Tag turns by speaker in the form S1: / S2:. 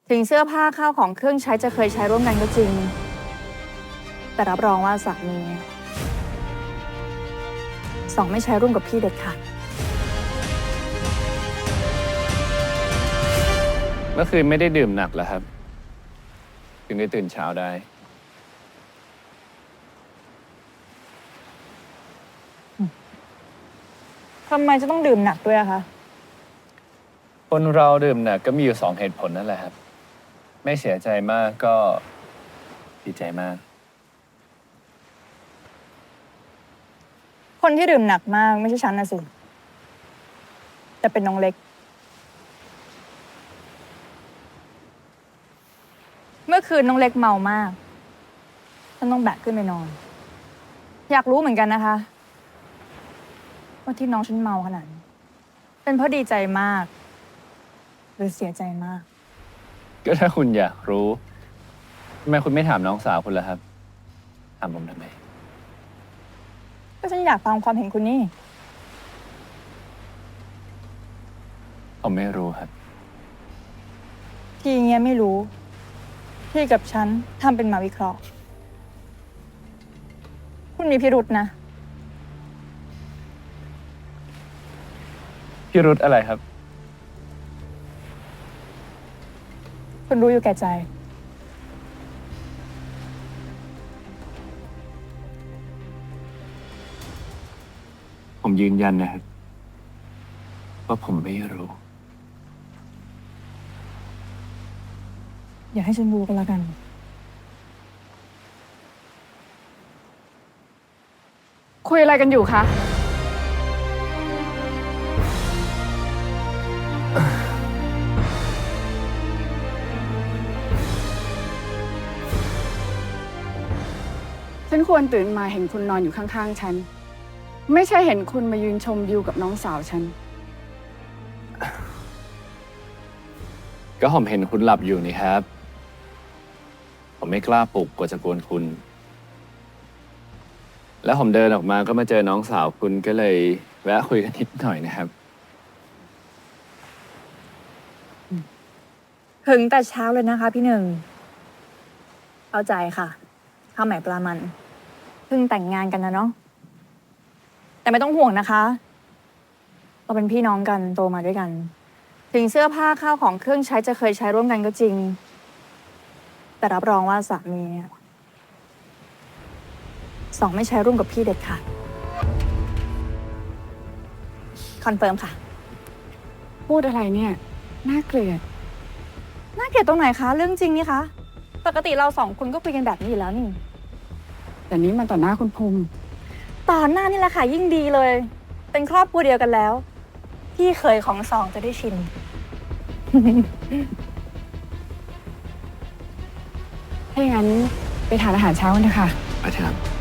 S1: ถึงเสื้อผ้าข้าวของเครื่องใช้จะเคยใช้ร่วมกันก็จริง แต่รับรองว่าสามีสองไม่ใช้ร่วมกับพี่เด็ดขาด
S2: เมื่อคืนไม่ได้ดื่มหนักแล้วครับถึงได้ตื่นเช้าได้
S1: ทำไมจะต้องดื่มหนักด้วยอะคะ
S2: คนเราดื่มหนักก็มีอยู่2 เหตุผลนั่นแหละครับไม่เสียใจมากก็ดีใจมาก
S1: คนที่ดื่มหนักมากไม่ใช่ฉันนะสิแต่เป็นน้องเล็ก เมื่อคืนน้องเล็กเมามากฉันต้องแบกขึ้นไปนอน อยากรู้เหมือนกันนะคะว่าที่น้องฉันเมาขนาดนี้เป็นเพราะดีใจมาก หรือเสียใจมาก
S2: ก็ถ้าคุณอยากรู้ทำไมคุณไม่ถามน้องสาวคุณล่ะครับถามผมทำไม
S1: ก็ฉันอยากฟังความเห็นคุณนี่
S2: ผมไม่รู้ครับ
S1: ทีเงี้ยไม่รู้พี่กับฉันทำเป็นมาวิเคราะห์ คุณมีพิรุษนะ
S2: พี่รุธอะไรครับ
S1: คุณรู้อยู่แก่ใจ
S2: ผมยืนยันนะครับว่าผมไม่รู้
S1: อย่าให้ฉันรู้ก็แล้วกัน
S3: คุยอะไรกันอยู่คะ ฉันควรตื่นมาเห็นคุณนอนอยู่ข้างๆฉัน ไม่ใช่เห็นคุณมายืนชมวิวกับน้องสาวฉัน
S2: ก็ผมเห็นคุณหลับอยู่นี่ครับ ผมไม่กล้าปลุกกลัวจะกวนคุณ แล้วผมเดินออกมาก็มาเจอน้องสาวคุณก็เลยแวะคุยกันนิดหน่อยนะครับ
S1: ถึงแต่เช้าเลยนะคะพี่หนึ่ง เข้าใจค่ะข้าวใหม่ปลามันเพิ่งแต่งงานกันนะเนาะ แต่ไม่ต้องห่วงนะคะ เราเป็นพี่น้องกันโตมาด้วยกัน ถึงเสื้อผ้าข้าวของเครื่องใช้จะเคยใช้ร่วมกันก็จริง แต่รับรองว่าสามีสองไม่ใช้ร่วมกับพี่เด็ดขาดคอนเฟิร์มค่ะ
S3: พูดอะไรเนี่ย น่าเกลียด
S1: น่าเกลียดตรงไหนคะ เรื่องจริงนี่คะ ปกติเราสองคนก็คุยกันแบบนี้อยู่แล้วนี่
S3: แต่นี้มันต่อหน้าคุณภูมิ
S1: ต่อหน้านี่แหละค่ะยิ่งดีเลย เป็นครอบครัวเดียวกันแล้ว พี่เคยของสองจะได้ชิน
S3: ถ้าอย่างนั้นไปทานอาหารเช้ากันเถอะค่ะ
S2: อาจารย์